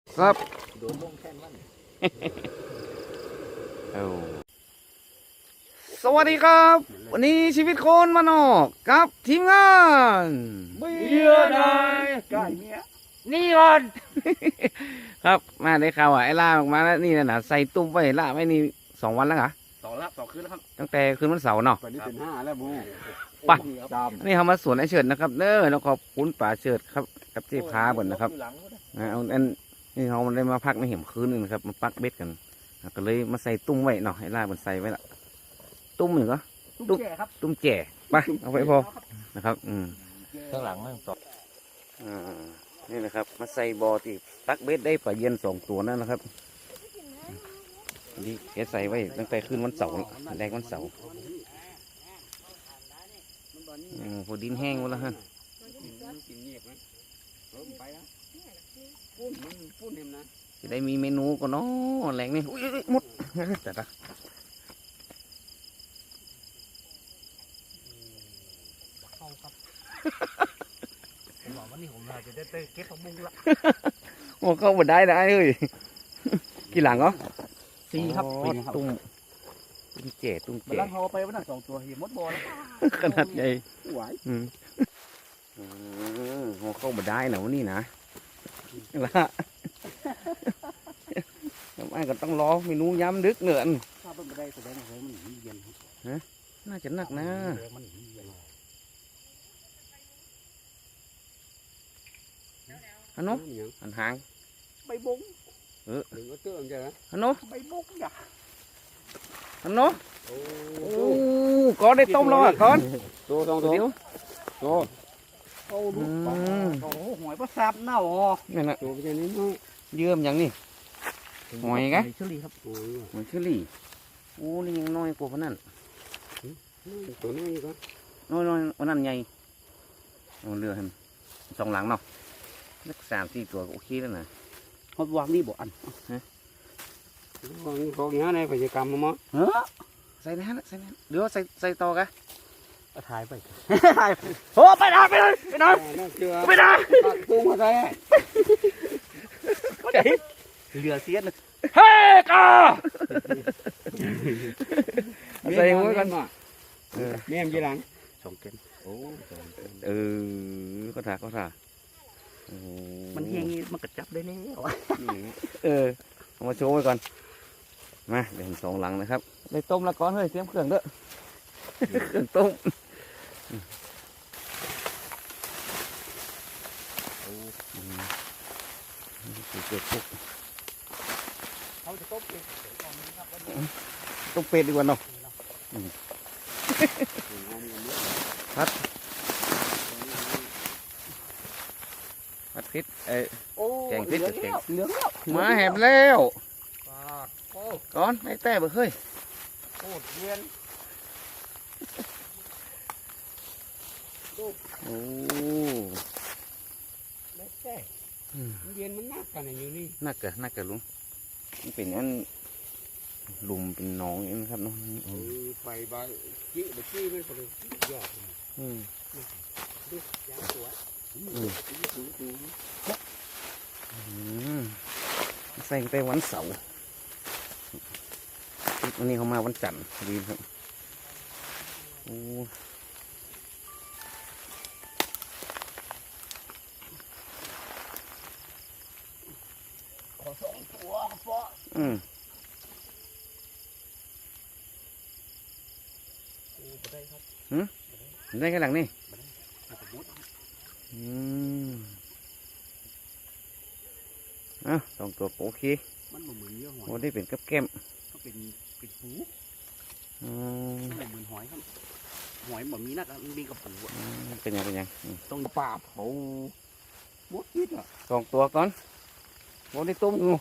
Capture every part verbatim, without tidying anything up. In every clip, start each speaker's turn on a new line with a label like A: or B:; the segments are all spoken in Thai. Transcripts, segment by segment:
A: ครับ
B: โดนลงแค่นั้น
A: เอาสวัสดีครับ วันนี้ชีวิตคนมานอกกับทีมงาน
B: เมียได้ไก่เมียนี่ก่อน
A: ครับมาได้ข่าวอ่ะไอ้ล่าออกมาแล้วนี่นะใส่ตุ้มไว้ล่าไว้นี่สองวันแล้วเหรอ
B: สองรับสองคืนแล้วครับ
A: ตั้งแต่คืนวันเสาร์เนาะ
B: ตอนนี้เป็นห้าแล้วบู
A: ไป
B: ด
A: นี่เขามาสวนไอ้เฉิดนะครับเด้อแล้วขอบคุณป่าเฉิดครับกับเจ๊พาบ่นนะครับนะเอาอันนี่เขามันได้มาพักในเห็มคืนนึงนะครับมาปักเบ็ดกันก็เลยมาใส่ตุ้มไว้เนาะไอ้ล่ามันใส่ไว้ละตุ้มหนึ่งก็
B: ตุ้มแก่ครับ
A: ตุ้มแจ่ไปเอาไปพอนะครับอืม
B: ข้างหลังนั่งสอง
A: อ่านี่นะครับมาใส่บอที่ตักเบ็ดได้ปลาเย็นสองตัวนั่นนะครับนี่แกใส่ไว้ตั้งแต่คืนวันเสาร์แรกวันเสาร์อืมพอดินแห้งหมดแล้วฮะจะได้มีเมนูก็เนาะแรงนี่อุ้ยหมดแต่ละ
B: เข้าครับผมบอกว่านี่ผมจะได้เก็บผักบุ้งละ
A: โอ้เข้ามาได้ได้เลยกี่หลังเหรอ
B: สี่ครับ
A: อ๋อ
B: เป็นครับ
A: ตุ้มตุ้มแจ่ตุ้ม
B: มัน
A: แจ่
B: ลังเขาไปวันนั้นสองตัวเหี่ยมดบอล
A: ขนาดใหญ่
B: ไหว
A: อืมอืมโอ้เข้ามาได้นะวันนี้นะละทำไมก็ต้องรอเมนูย้ำดึกเนื่อน
B: ถ้าเป็นไปได้แสดงว่ามันเย็น
A: น่าจะหนักนะ
B: มันเย็น
A: ฮันโนอันหาง
B: ใบบุ้ง
A: เออ
B: หรือว่าเตื้องใช่ไหม
A: ฮันโน
B: ใบบุ้งอย่า
A: ฮันโน
B: โอ้
A: โอ้ก้อนได้ต้มแล้วอ่ะก้อน
B: ตัวสองตัว
A: เดี๋ยว
B: ตัวโอ้ลูกโอ้หอยปลาซับเน่าอ๋อ
A: นี่นนะ
B: ตัวเป็นนี้น้อย
A: เยื่อมอย่างนี้ หอยไง
B: เชอรี่ครับ
A: เหมือนเชอรี่โอ้นี่ยังน้อยกว่าพนนั้น
B: ตัวนี้ก็
A: น้อยน้อยวันนั้นใหญ่เอาเรือให้มันสองหลังเนาะสักสามสี่ตัวก็โอเคแล้วนะ
B: เขาวางนี่บ่อันวางนี่เขาอย่างนี้กิจกรรมมั้ง
A: เฮ้อใส่ในนั้นใส่ในนั้นเดี๋ยวใส่ใส่ต่อกะ
B: ถ่ายไปถ่ายโอ้ไปได้ไปเลยไปได้ไปได้ปักตุ้งมาได้ก็ได้เหลือเสียนะเฮ้กา
A: ใส่หัวกัน
B: มาเมียมยี่หลังสองเกนโอ้
A: เออก็ถ่าก็ถ่าโอ้
B: มันเฮงมันกระจับได้แล้ว
A: เออเอามาโชว์ไว้ก่อนมาเดี๋ยวผมสองหลังนะครับได้ต้มแล้วก่อนเฮ้ยเตรียมเครื่องเด้อเครื่องต้มเกิดปุ๊บ
B: เขาจะต้มเอง
A: ต้มเป็ดดีกว่าเนาะพัดพัดพริษเอ้ย แกงพริกกับแกง
B: เหลืองแล้ว
A: มาแหบแล้ว
B: โอ้
A: ก่อนให้แต่เบ่เฮ้ย
B: โหเย็น
A: โอ้
B: ไม่ใช่เย็นมันนักกันอยู่นี่
A: น่าเกิดน่าเกิดลุงมันเป็นอันหลุมเป็นหนองอย่างนี้ครับเนาะอืม
B: ไฟใบจี้ใบจี้มันก็เลยยอด
A: อืม
B: ดูยางสวย
A: อืมใส่ไปวันเสาร์วันนี้เขามาวันจันทร์ดีครับโอ้
B: ขอสองตัวเพาะ
A: อืม
B: ได้ครับ
A: ได้แค่หลังนี่
B: สมมติ
A: อืมอ่ะสองตัวโอเค
B: มันเหมือนเนื้อหอย
A: โอ้ได้เป็นกับแก้ม
B: ก็เป็นเป็นหู
A: อืม
B: เหมือนหอยครับหอยแบบนี้นักมันมีกระปู
A: เป็นยังเป็นยังอืม
B: ต้องปราบเขามดพิษอ่ะ
A: สองตัวก่อนโอ้ได้ต้มงู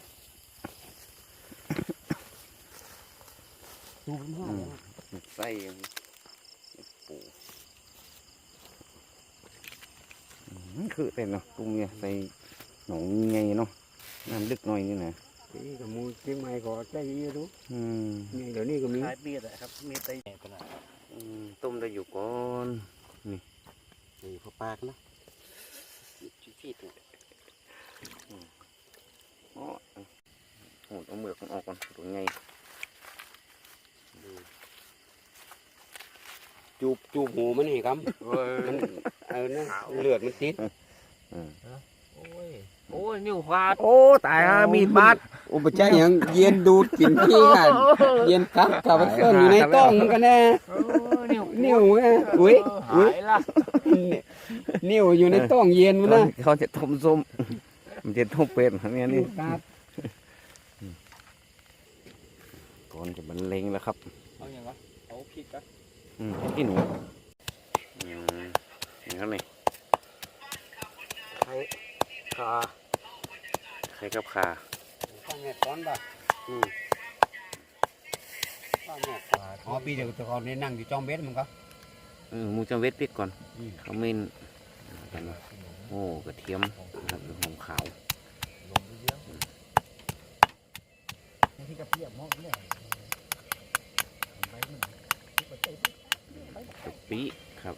B: ดูเป็นห้า
A: ใส่ปูอืมคือเป็นเนาะตุ้มเนี่ยใส่หนองไงเนาะน้ำลึกหน่อยนี่นะ
B: นี่กับมูเชียงใหม่ก็ใจดีรู้
A: อืม
B: นี่เดี๋ยวนี้ก็มีขายเบียร์ครับมีไตขนาด
A: อืมต้มได้อยู่ก่อน
B: นี่พอปากนะชี้ชี้ตัว
A: อ๋อเอาเมือกมันออกก่อนตัวไง
B: จูบจูบหูมันนี่ครับมันเออเนี่ยเลือดมันติด
C: โอ้ยโอ้ยนิ้วขาด
A: โอ้ตายฮะมีดบาด
B: อุปจัยยังเย็นดูดกินขี้กันเย็นครับกับไปเส้นอยู่ในต้องมันกันแน่
C: โอ้ยนิ้ว
B: นิ้วไงอุ้ยอุ้ย
C: หายละ
B: นิ้วอยู่ในต้องเย็นมันนะ
A: เขาจะต้มส้มมันจะต้มเป็ดอันนี้นี่
B: ครับ
A: ก่อนจะบรรเลงแล้วครับ
C: เอาอย่างวะเอาพริกอะ
A: อืมพี่หนูอืมนี่ครับนี่
B: ไข่ขา
A: ไข่กับขา
B: ข้าวแม่ก้อนป่ะอืมข้าวแม่ขาอ๋อปีเดียวแต่ก่อนนี่นั่งอยู่จอมเบ็ดมันก็
A: เออหมูจะเวทพริกก่อน
B: อืม
A: เขาเมนกันนะโอ้กระเทียมนะครับหอมขาว
C: ลงเยอะ
B: ที่กระเพียบมอกเนี่ย
A: กะปิครับ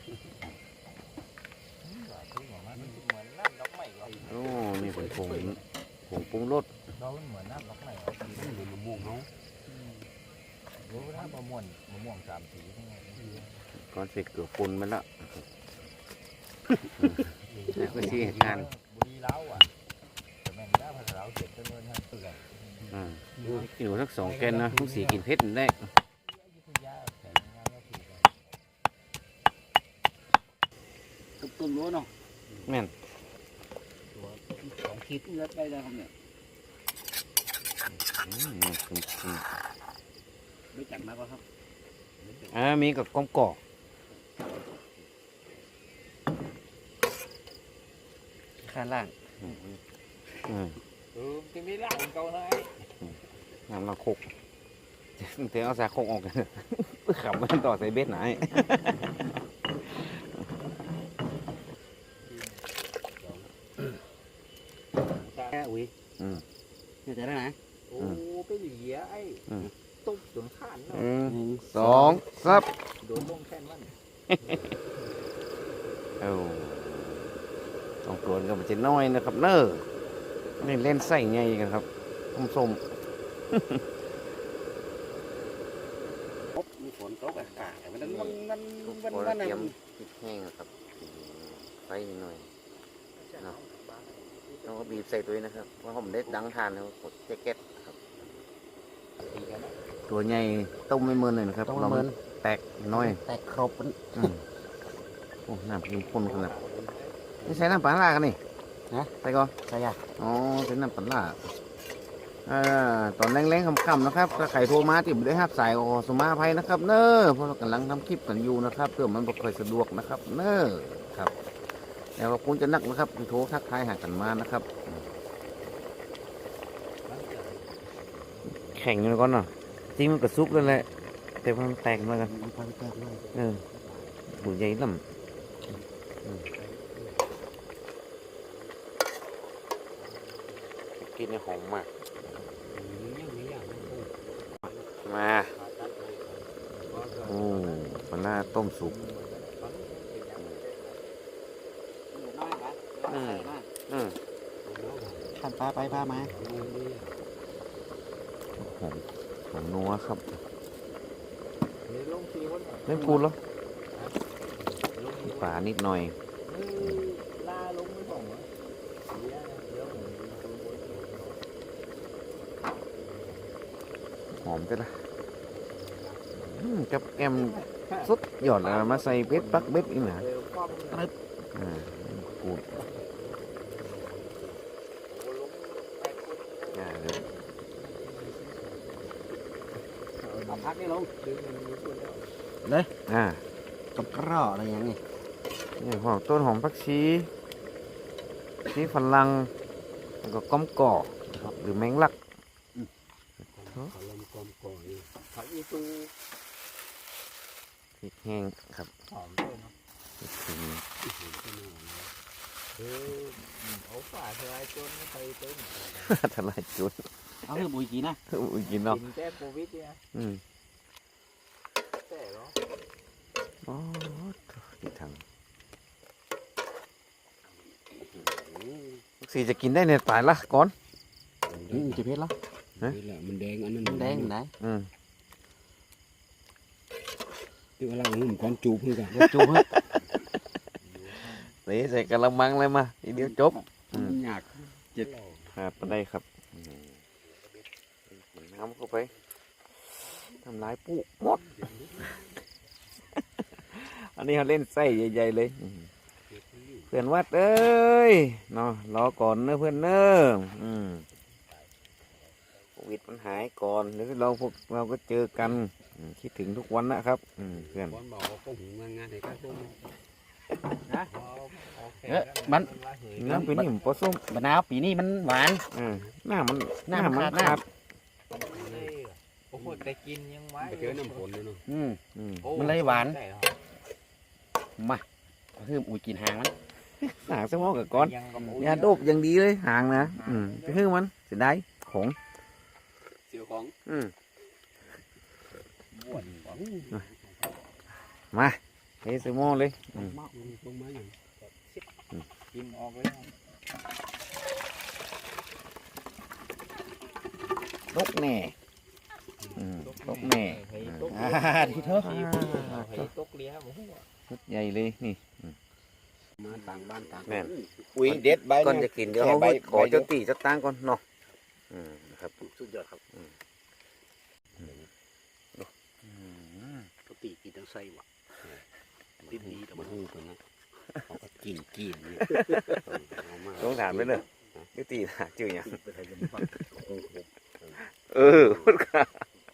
C: มันเหมือนน้ำดอกไม้เหรอ
A: โอ้นี่เป็นผงผงปรุงรส
C: เราเหมือนน้ำดอกไม้เหรอ
B: มันเป็นมะม่วงเนาะ
C: รู้ถ้ามะม่วงมะม่วงสามสีทั้งนั้น
A: ก่อนเสร็จเกลือปุ่นไปแล้วแล้วก็ชี้ทาน
C: บุรีเล้าอ่ะแต่แม่งได้ภาษาเล้าเจ็ดจำนวนทั้งเปลือก
A: อ่ากินหนูสักสองแกนนะทุกสีกินเผ็ดได้
C: ยุทธยาแข่งงานก็ถูกกัน
B: ต้นต้นรั้วเนาะ
A: แม่น
B: สองขีดเลือดได้แล้วครับเนี่ย
A: อืมคุณคุณ
B: ไม่จัดมาก็ครับ
A: อ่ามีกับกอมกอกข้างล่างอืม
C: เออที่มีร่างเก่าเลย
A: น้ำละคกเดี๋ยวเอาสาคกออกกันขับมันต่อใส่เบ็ดไหน
B: แค่อุ้ย
A: อืม
B: เนี่ยจะได้ไหน
C: โอ้ไปเหลียไอ้ตุ๊บจนข้านเนาะ
A: หนึ่งสองซับ
C: โดนลงแค่นั้น
A: เอ้าต้องตัวกันมันจะน้อยนะครับเน้อนี่เล่นใส่ไงกันครับส้มส้ม
B: มีฝนตกอากาศมันมันมัน
A: ๆ
B: มัน
A: พอ
B: มัน
A: เตรียมพริกแห้งนะครับไฟนิดหน่อยเนาะแล้วก็บีบใส่ตัวนี้นะครับเพราะผมได้ดังทานแล้วกดแจ็คเก็ตครับตัวใหญ่ต้มไม่เมินเลยนะครับเรามันแตกน้อย
B: แตกครบ
A: อืมโอ้น้ำเข้มข้นขนาดนี่ใช้น้ำปลาล่ากันนี่
B: ฮะ
A: ใส่ก่อน
B: ใช่ยะ
A: อ๋อใช้น้ำปลาล่าอ่าตอนแรงๆค่ำๆนะครับถ้าใครโทรมาติดได้ห้าสายก็ขอสมาภัยนะครับ เน้อเพราะเรากำลังทำคลิปกันอยู่นะครับเพื่อมันบ่ค่อยสะดวกนะครับ เน้อครับแล้วก็คุณจะนักนะครับที่โทรทักทายหากันมานะครับแข่งกันก่อนเนาะจริงมันก็ซุกแล้วแหละแต่มันแตกมากัน
B: มันพันแตกเลย
A: เออหูใหญ่ลำกินในหอมมาก มา โอ้ปลาหน้าต้มสุก อืม อืม
B: ขันปลาไปปลามา
A: หอมหอมนัวครับ
C: นี่ลงทีวัน
A: เล่นพูดเหรอป่านิดหน่อย
C: ลาลงไม่บอกเหรอเดี๋ยวเดี๋ยวผม
A: หอมจังละอืมกับแกมสุดยอดเลยมาใส่เบ็ดปักเบ็ดอีกนะ
C: เร็วป้อม
A: อ่ากูดอ่าเดี๋ยว
B: เอาพักนี่ลง
C: ดึงมันมีส่วนแล้ว
A: อ่า
B: กับกระอะไรอย่างนี้
A: นี่หอมต้นหอมผักชีชีฝรั่งแล้วก็ก้อมก่อหรือแมงลัก
B: ขอลมกลมก่อย
C: ผักอีตู
A: พริกแห้งครับ
C: หอมด้วยเนาะ
A: พริกขิง
C: เออเอาฝาทลายจนไปเต็ม
A: ทลายจุด
B: เอาเรื่องบุยกีนะ
A: อุ้ยกินเนาะ
C: กินแต่โควิดเนี่ย
A: อืม
C: แต่เนาะ
A: อ๋อที่ทางสีจะกินได้เนี่ยตายละก่อน
B: นี่จะเพชรละ
A: อ
C: นี่แหละมันแดงอันนั้น
B: แดงไหน
A: อืม
C: ที่ว่าเราหุ่มก้อนจูบเพื่อนกัน
B: จูบ
A: นี่ใส่กระมังเลยมาทีเดียวจบ
C: มันยาก
A: ครับไปได้ครับน้ำเข้าไปทำลายปุ๊หมด อันนี้เขาเล่นไส้ใหญ่ๆเลยเพื่อนวัดเอ้ยเนาะรอก่อนเนอะเพื่อนเนอะอืมโควิดมันหายก่อนเดี๋ยวเราพวกเราก็เจอกันอืมคิดถึงทุกวันนะครับอืมเพื่อน
C: ก้อนบอกว่าพวกหูงานงานไหนก็ต้อง
B: เออมัน
A: น้ำปีนี้ผมปลาส้ม
B: มะนาวปีนี้มันหวาน
A: อืมหน้ามัน
B: หน้ามันขาด
A: ขาด
C: โอ้โหแต่กินยังไว้ไปเจอน้ำฝนเลยเนาะ
B: อืม
A: อืม
B: มันเลยหวาน มาคืออุ้ยกินหางมัน
A: หางสมองกับก้อนยาโดบอย่างดีเลยหางนะอืมไปคือมันเสียดายของ
C: เสียวของ
A: อืม
C: บ้วนของ
A: มาเฮสมองเลยอืม
C: มากลงมาอย่าง
B: กินออกเลย
A: ตกแน่อืมตกแน่
B: อ่าดีเถอะ
C: ตกเลี้ยหมู
A: ชุดใหญ่เลยนี่
C: มาต่างบ้านต่าง
A: แม่น
C: อุ้ยเด็ดใบ
A: ก่อนจะกินเดี๋ยวเขาขอเจ้าตีเจ้าตั้งก่อนเนาะอืมนะครับ
C: สุดยอดครับ
A: อืม
C: ปกติกินทั้งไส้หวะดีดีแต่มันหูไปนะเขาก็กินกินเนี่ย
A: ต้องถามไปเลยเจ้าตีหาจื่อยัง
C: ไปไทยกันบ้าง
A: เออพูดค่ะ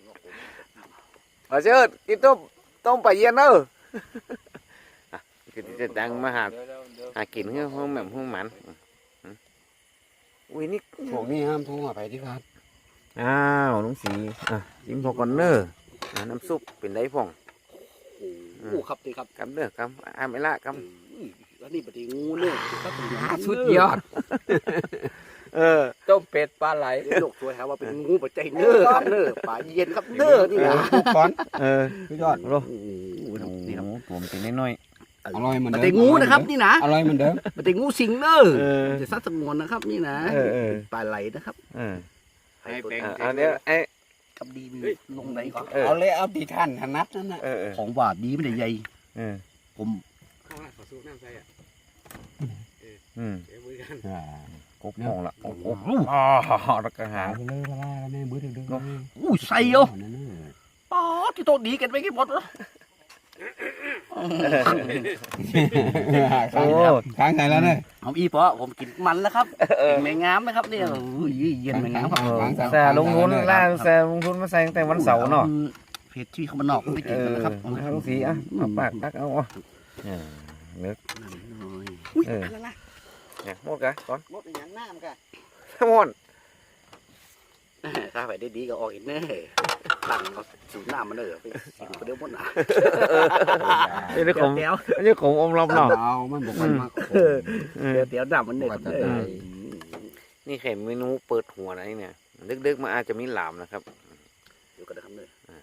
A: มาเชิดกินต้มต้มปลาเย็นเนอะอ่ะกินจะดังมาหาหากินเพื่อห้องแบบห้องหมันอืมอุ้ยนี่
C: พวกนี้ห้ามโทรมาไปที่ครับ
A: อ้าวลุงสีอ่ะจิ้มพอก่อนเนอะอ่ะน้ำซุปเป็นไรพ่อง
C: โอ้ครับดีครับ
A: กำเนอะกำอ่าไม่ละก
C: แล้วนี่ปฏิงูเนี่ยครับ
B: สุดยอด
A: ำเออ
C: ต้มเป็ดปลาไหลโลกสวยครับว่าเป็นงูปัจจัยเนื้อครับเนื้อปลาเย็นครับเนื้อนี่นะ
A: ก้อนเออ
C: สุดยอด
A: โอ้
C: โอ้
A: โห
C: นี่ครับ
A: ผมกินน้อย
C: อร่อยเหมือน
B: ป
C: เดิม
B: ฏิงูนะครับนี่นะ
C: อร่อยเหมือนเดิม
B: ปฏิงูสิงเนอร์
A: ๆเออ
B: จะซัดสงวนนะครับนี่นะ
A: เออเออ
B: ปลาไหลนะครับ
A: เออ
C: ให้เป็น
A: อ่ะเอาเดี๋ยวไอ้
B: กับดีมีลงไหนก่อน
A: เออ
C: เอาเลยเอาตีท่านถนัดนั่นน่ะ
A: เออเออ
B: ของหวานดีไม่ได้ใหญ่
A: เออ
B: ผม
C: เข้ามาขอสู้น้ำใส่อ่ะ
A: อืม
C: เดี๋ยวมือกัน
A: กบมองละโอ้โหอ๋อแล้วก็หาง
C: ไปเลยละแม่บื้อถึงดึง
B: อู้ใส่เยอะป๊อดที่โต๊ะดีกันไปกี่หมดวะ
C: โอ้ค้างใส่แล้วเนี่ย
B: เอาอีปอผมกินมันแล้วครับกินแมงงามนะครับเนี่ยอุ้ยเย็นแมงงามครับ
A: แซ่ลงทุนล่าแซ่ลงทุนมาใส่ตั้งแต่วันเสาร์เนาะ
B: เพจที่เขามานอกไม่
A: เอ
B: กิน
A: อ
B: นะครับ
A: เอาลุงสีอ่ะมาปากตักเอาอ่ะเออเลิก
B: อุ้ย
A: เออ
B: อะไรล่ะ
A: เนี่ยหมดกะก่อน
B: หมดอย่างน้ำกัน
A: หมด
B: ถ้าไปได้ดีก็ออกอีกแน่ตั้งเอาสูน้ำมาเลยไปสิงไปเดี๋ยวหมดหนา
A: นี่นี่ผม
B: เดี๋ยว
A: นี่ผมอมรอบเนาะ
C: เอามันบอกมันมาก
A: เออ
B: เดี๋ยวเดี๋ยวน้ำมันเนี่ย
C: ว่าจะ
B: เอ
C: ได้
B: อ
A: นี่แค่เมนูเปิดหัวนะนี่เนี่ยดึกๆมาอาจจะมีหลามนะครับ
B: อยู่กันนะครับเนี่ย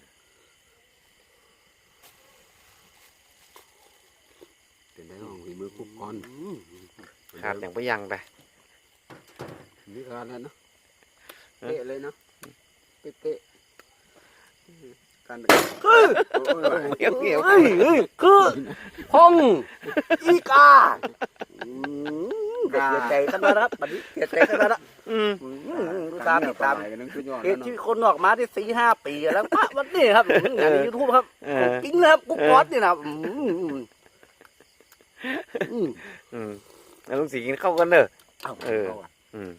C: เป็นได้ของฝีมือคุกก้อน
A: ขาดอย่างไปยังไป
C: นี่ขาดแล้วเนาะเป๊ะเลยเนาะเป๊ะการ
A: เกี่ยวเกี่ยว
B: เฮ้ยเฮ้ยคือพงอีกาเสียใจกันแล้วครับบัดนี้เสียใจกันแล้ว
A: อืม
B: ดูตามติดตาม
C: กันนึงสุดยอด
B: เห
C: แล้ว
B: ตุ
C: เนาะ
B: ที่คนออกมาที่สี่ห้าปีแล้วพระวันนี้ครับงานในยูทูบครับ
A: เอ
B: ขอ
A: อง
B: จริงนะครับกุ๊กก๊อตนี่นะอืมอืม
A: อืมแล้วลุงสีกินข้าวกันเด้อ
B: เอา
A: เออ
B: เอาอะ
A: อืม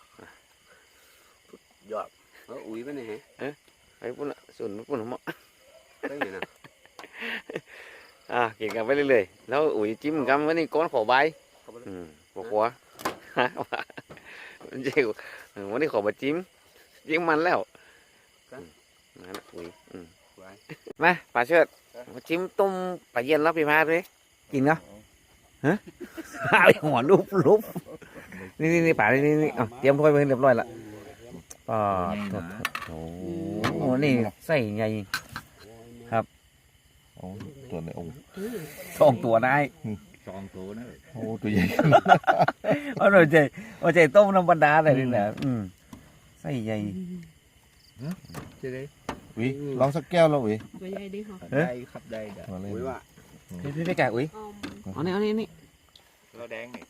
B: ยอด
C: เอออุ้ยไปไหน
A: ไอ้ปุ่นละส่วนปุ่นหมอ
C: ไปไหนนะ
A: อ่ะกินกันไปเรื่อยๆแล้วอุ้ยจิ้มกันวันนี้ก้อนขอใบอืมบอกว่าฮะว่ามันเจ๋วเออวันนี้ขอมาจิ้มจิ้มมันแล้วอืมนั่นน่ะอุ้ยอืม
C: ไว้
A: มาป่าเชิดมาจิ้มต้มปลาเย็นแล้วพี่พาด้วยกินเนาะฮะไอ้หัวลุบลุบนี่นี่นี่ป่านี่นี่นี่เอาเตรียมถ้วยไปให้เรียบร้อยละป่าโอ้โหนี่ใส่ใหญ่ครับโอ้ตัวในองค์สองตัวได้
C: สองตัวนะ
A: โอ้ตัวใหญ่เอาหน่อยใจเอาใจต้มน้ำบรรดาเลยนี่แหละอืมใส่ใหญ่
C: จะได้
D: อุ้ยลองสักแก้วแล้วอุ้ย
E: Vậy đây đi hả?
C: ได้ครับได้ได้
D: มาเลย
C: อุ้ยว่า
A: พี่พี่ไปแกะอุ้ย
E: Um,
A: เอานี่เอานี่นี่
B: เราแดงนี่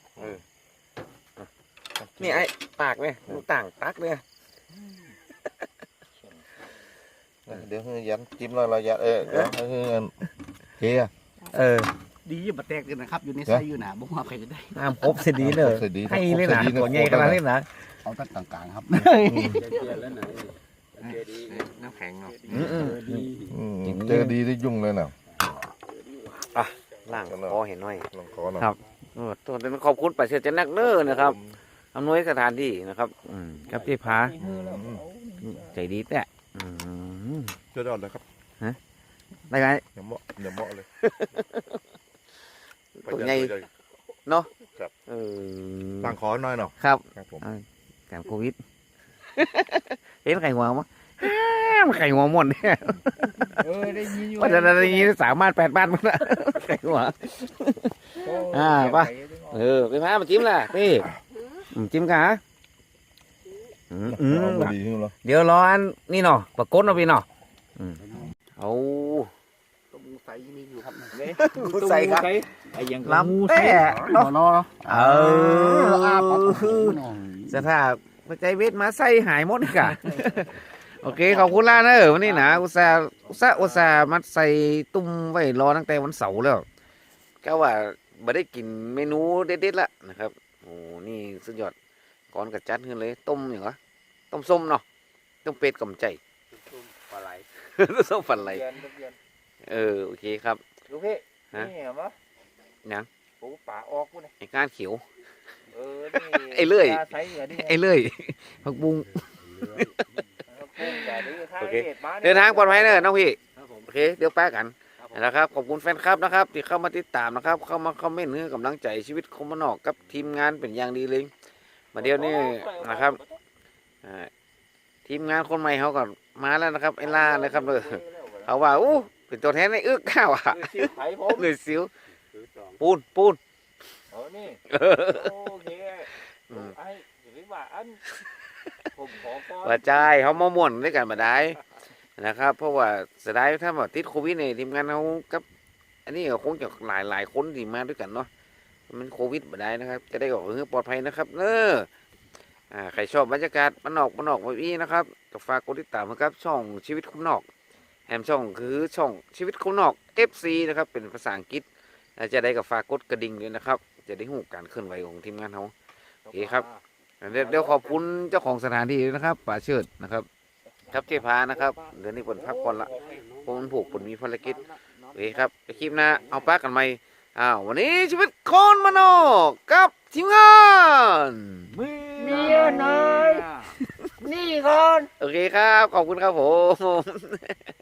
A: นี่ไอ้ปากเนี่ยลูกต่างตักเนี่ย
D: เดี๋ยวให้ยันจิ้มแล้วเรายันเออเดี๋ยวให้เงินเจีย
A: เออ
C: ดีอยู่มาแตกกันนะครับอยู่ในไส้อยู่หนาบ่ว่าใครจะได้
A: ห้ามครบเสียดีเลย
D: เสร็จดี
A: ให้เลยนะตัวใหญ่ขนาดนี้นะ
C: เอาตั้งกลางๆครับ
B: น้ำแข็งเนาะ
A: อืมอืม
D: อืมเจอดีได้ยุ่งเลยนะ
A: ล่างพอเห็นหน่อย
D: ลองขอหน่อย
A: ครับ เออตัวเป็นขอบคุณป่าเชือจันนักเนอร์นะครับอำนวยสถานที่นะครับอืมกับที่พาใจดีแต่อืม
D: เจ้าดอนเลยครับ
A: ได้ไหม
D: อย่าเหมาะอย่าเหมาะเลย
A: ตัวใหญ่เนาะ
D: ครับ
A: เออ
D: ตั้งขอหน่อยเนาะ
A: ครับ
D: ครับผม
A: การโควิด เห็นไข่หัวมั้ยมันไข่หัวหมดเนี่ย
C: เออได้ยินอยู่
A: ว่าจะได้ยินสามารถแปดบ้านมันละไข่หัว อ่าป่ะ เออไปพามาจิ้มล่ะพี่อืมจิ้มกะอืมอืม
D: เอามาดีขึ้นแล้ว
A: เดี๋ยวรออันนี่เนาะปรากฏเนาะพี่เนาะอืมเอา
C: ต้มใส่มีอยู่ครับ
A: กูใส่ครับ
C: ไอ้ยัง
A: ลำแต่เนาะ
C: รอ
A: เอ
C: ออาปาก
A: อสถาปัจจัยเวทมาใส่หายหมดเลยค่ะ โอเคขอบคุณล่าเนอะวันนี้นะอุตส่าห์อุตส่าห์อุตส่าห์มัดใส่ตุ้มไว้รอตั้งแต่วันเสาร์แล้วก็ว่าไม่ได้กินเมนูเด็ดๆละนะครับโอ้นี่สุดยอดก่อนกับจัดขึ้นเลยต้มอย่างวะต้มส้มเนาะต้มเป็ดกับใจ
B: ปลาไหล
A: ส้มฝันไหล
B: เดือนทุกเดือน
A: เออโอเคครับ
B: ลูกพี่
A: ฮะ
B: นี่เหรอมะ
A: หยัง
B: ปูป่าออกกูเนี่ย
A: ไอ้ก้านเขียว
B: เออนี่
A: ไอ้เลื่อย
B: ปลาไซส์เหรอนี่
A: ไอ้เลื่อยผักบุ้ง
B: กุ้งแต่ดื้อถ้า
A: โอเค
B: เหตุมา
A: เดินทางปลอดภัยเนอะน้องพี่
C: ครับผม
A: โอเคเดี๋ยวแป๊กกันนะครับขอบคุณแฟนคลับนะครับ ที่เข้ามาติดตามนะครับ เข้ามาคอมเมนต์ให้กำลังใจชีวิตคมมานอกกับทีมงานเป็นอย่างดีเลยมาเดี๋ยวนี้นะครับอ่าทีมงานคนใหม่เขาก็มาแล้วนะครับไอ้ล่านะครับเลยเขาว่าอู้เป็นตัวแทนในอึกข้าวอ่ะ
B: คือซิวไผ่ผม
A: เลยสิวปูนปูน
B: เออนี่โอเค
A: อืม
B: ไอ้อย่าไปว่าอันผมขอก่อน
A: ว่าใจายเขามาม่วนด้วยกันมาได้นะครับ เพราะว่าเสียดายถ้าแบบติดโควิดเนี่ยทีมงานเขากับ อันนี้ก็คงจะหลายหลายคนที่มาด้วยกันเนาะมันโควิดมาได้นะครับ จะได้บอกเออปลอดภัยนะครับเนอะอ่าใครชอบบรรยากาศมันนอกมันนอกแบบนี้นะครับก็ฝากกดติดตามนะครับ ช่องชีวิตคนนอกแฮมช่องคือช่องชีวิตคนนอก เอฟ ซี นะครับเป็นภาษาอังกฤษและจะได้กับฝากกดกระดิ่งด้วยนะครับ จะได้หูการเคลื่อนไหวของทีมงานเขา โอเคครับ เดี๋ยวเดี๋ยวขอบคุณเจ้าของสถานที่ด้วยนะครับป่าเชิดนะครับ ครับเจพานะครับเดี๋ยวนี้ผลพักผ่อนละเพราะมันผูกผลมีภารกิจโอเคครับไปคลิปหน้าเอาปากกันไหมอ้าววันนี้ชีวิตคนมโนกับทีมงาน
B: เมียน้อยนี่ก่อน
A: โอเคครับ ขอบคุณครับผม